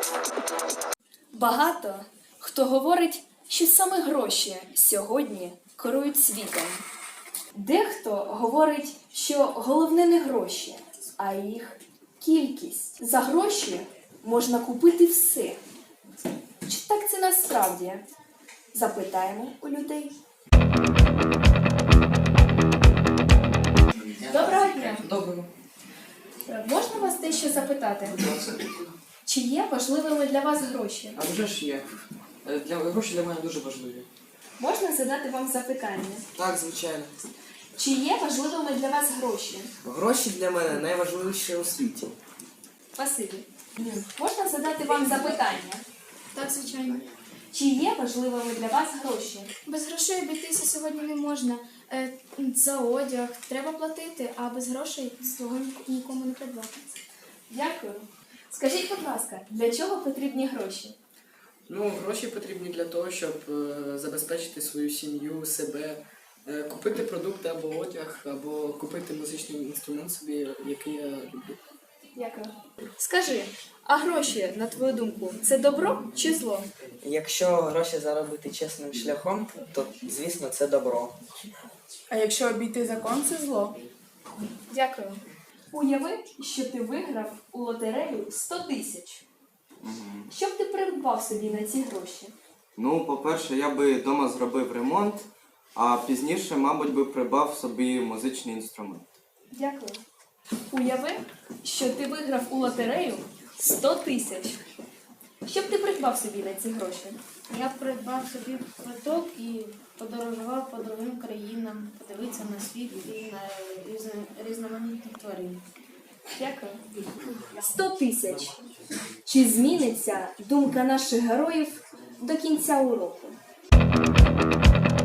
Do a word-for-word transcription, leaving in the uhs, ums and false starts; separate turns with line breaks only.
Багато хто говорить, що саме гроші сьогодні керують світом. Дехто говорить, що головне не гроші, а їх кількість. За гроші можна купити все. Чи так це насправді? Запитаємо у людей. Доброго дня!
Доброго.
Можна вас дещо запитати? Чи є важливими для вас гроші?
А вже ж є. Е, Для, гроші для мене дуже важливі.
Можна задати вам запитання?
Так, звичайно.
Чи є важливими для вас гроші?
Гроші для мене найважливіше у світі.
Спасибі. Можна задати вам запитання?
Так, звичайно.
Чи є важливими для вас гроші?
Без грошей обійтися сьогодні не можна. Е, За одяг треба платити, а без грошей свого нікому не придбати.
Дякую. Скажіть, будь ласка, для чого потрібні гроші?
Ну, гроші потрібні для того, щоб е, забезпечити свою сім'ю, себе, е, купити продукти або одяг, або купити музичний інструмент собі, який я люблю.
Дякую. Скажи, а гроші, на твою думку, це добро чи зло?
Якщо гроші заробити чесним шляхом, то, звісно, це добро.
А якщо обійти закон, це зло.
Дякую. Уяви, що ти виграв у лотерею сто тисяч. Що б ти придбав собі на ці гроші?
Ну, по-перше, я би вдома зробив ремонт, а пізніше, мабуть, би придбав собі музичний інструмент.
Дякую. Уяви, що ти виграв у лотерею сто тисяч. Що б ти придбав собі на ці гроші?
Я придбав собі квиток і подорожував по другим країнам, подивитися на світ і на різно- різноманітних тварин.
Дякую. сто тисяч. Чи зміниться думка наших героїв до кінця уроку?